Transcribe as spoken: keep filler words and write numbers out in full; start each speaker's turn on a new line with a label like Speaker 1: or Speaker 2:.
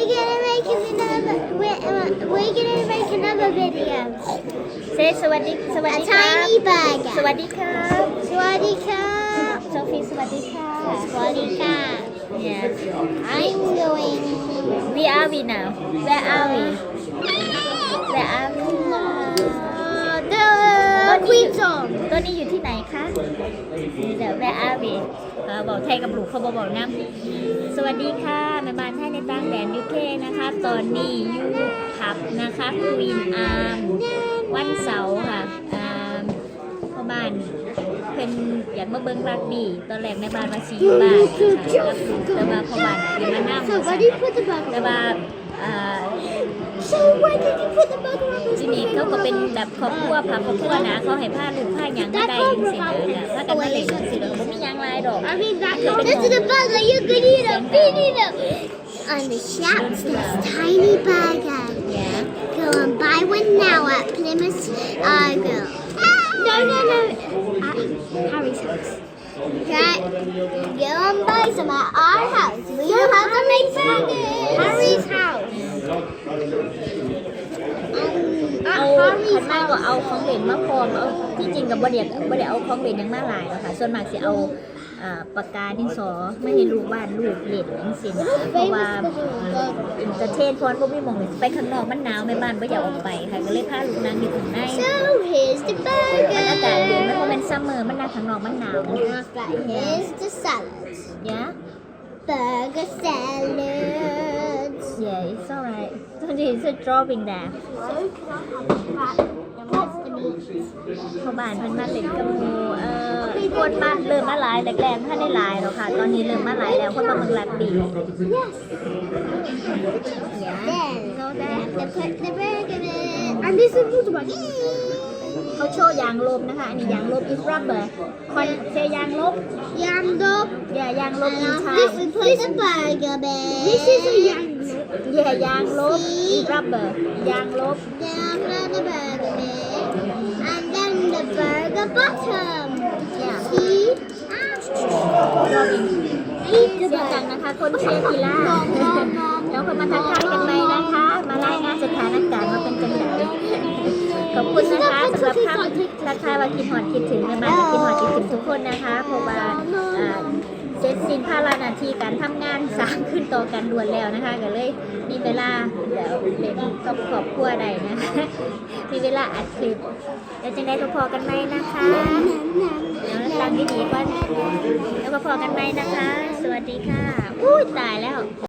Speaker 1: We're gonna make another. We're, we're gonna make another video.
Speaker 2: เซสวัสดีสวัส
Speaker 1: A
Speaker 2: ดีครับ
Speaker 1: tiny burger.
Speaker 2: สวัสดีครับ
Speaker 1: Swadika.
Speaker 2: โซฟีสวัสดีค่ะ
Speaker 1: Swadika.
Speaker 2: Yes
Speaker 1: I'm going.
Speaker 2: we are we now where are we where are we
Speaker 1: Uh, the queen song.
Speaker 2: ตัวนี้อยู่ที่ไหนคะนี่เดี๋ยว where are we เอ่อบอกไทยกับลูกเขาบอกบอกนะสวัสดีค่ะแม่บ้านไทยในต่างแดนยูเคนะคะตอนนี้อยู่ผับนะคะควีนอาร์มวันเสาร์ค่ะอ่าพ่อบ้านเพิ่นอยากมาเบิ่งรักบี้ตอนแรกแม่บ้านมาซีอยู่บ้านนะคะกับลูกแต่ว่าพ่อบ้านเพิ่นมานั่ง
Speaker 1: So where did you put the burger?
Speaker 2: แต่ว่าอ่า
Speaker 1: So where did you put the burger on the
Speaker 2: ที่นี่เขาก็เป็นแบบครอบครัวพาครอบครัวนะเขาให้ผ้าลูกผ้าหยังก็ได้จังซี่นะถ้ากันมาเล่นจังซี่แล้วบ่มีหยังหลายดอก
Speaker 1: I mean, that, this is the burger. You can eat it. Feed it. On the shops, there's tiny burger.
Speaker 2: Yeah.
Speaker 1: Go and buy one now at Plymouth Argyle. No, no, no. At Harry's house. Okay. Go and buy some at our house. We don't have to make burgers. Harry's house. Um,
Speaker 2: เอา
Speaker 1: at
Speaker 2: คัน
Speaker 1: Harry's
Speaker 2: มากก็
Speaker 1: house.
Speaker 2: เอาของเล่นมาพร้อมเอาที่จริงกับบ่ได้บ่ได้เอาของเล่นหยังมาหลายหรอกค่ะส่วนมากสิเอาอ่าปากกาดินสอไม่ให้ลูกบ้านลูกเล่นจังซี่นะเพราะว่าอินเตอร์เทนพรบ่มีหม่องไปข้างนอกมันหนาวแม่บ้านบ่อยากออกไปค่ะก็เลยพาลูกนั่งอยู่ข้างใน
Speaker 1: So here's the
Speaker 2: มันอากาศเย็นมันบ่
Speaker 1: burger.
Speaker 2: แม่นซัมเมอร์มันนั่งข้างนอกมันหนาว
Speaker 1: After here's the salad.
Speaker 2: ยะ
Speaker 1: Burger salad.
Speaker 2: Yeah, it's alright. Don't you it's a dropping there.
Speaker 1: So can I have that? And what's the meat?
Speaker 2: พ่อบ้านเพิ่นมาเล่นกับหมู่เอ่อคนบ้านเริ่มมาหลายแรกๆถ้าได้หลายแล้วค่ะ ตอนนี้เริ่มมาหลายแล้วคนมาเมืองลัดบี
Speaker 1: Yes.
Speaker 2: Yeah.
Speaker 1: Then
Speaker 2: Go
Speaker 1: we
Speaker 2: there.
Speaker 1: have to put the burger in. And this is water burger.
Speaker 2: เขาโชว์ยางลบนะคะ อันนี้ยางลบ is rubber คอนเซยางลบ
Speaker 1: Yam dog.
Speaker 2: อย่ายางลบ
Speaker 1: And
Speaker 2: อิน
Speaker 1: after
Speaker 2: ชา
Speaker 1: this we put the burger in. This is a yam dog.
Speaker 2: อย่ายางลบ is rubber ยางลบ
Speaker 1: Then after the burger in. And then the burger bottom.
Speaker 2: Yeah.
Speaker 1: See?
Speaker 2: dropping
Speaker 1: Eat
Speaker 2: เสี
Speaker 1: the
Speaker 2: ยงดัง
Speaker 1: burger.
Speaker 2: นะคะ คนเชียร์กีฬาแล้วคนมาทักทายกันไหมนะคะ มารายงานสถานการณ์ว่าเป็นจังไดขอบคุณนะคะสำหรับคำทักทายว่าคิดหอดคิดถึงแม่บ้านคิดหอดคิดถึงทุกคนนะคะเพราะว่าอ่าเสร็จสิ้นภาระหน้าที่การทำงานสร้างขึ้นต่อกันด่วนแล้วนะคะก็เลยมีเวลาแล้วเล่นกับครอบครัวใดนะคะมีเวลาอัดคลิปแล้วจังได้พอๆกันไหมนะคะแล้วตั้งดีๆก่อนแล้วก็พอกันไหมนะคะ สวัสดีค่ะอุ้ยตายแล้ว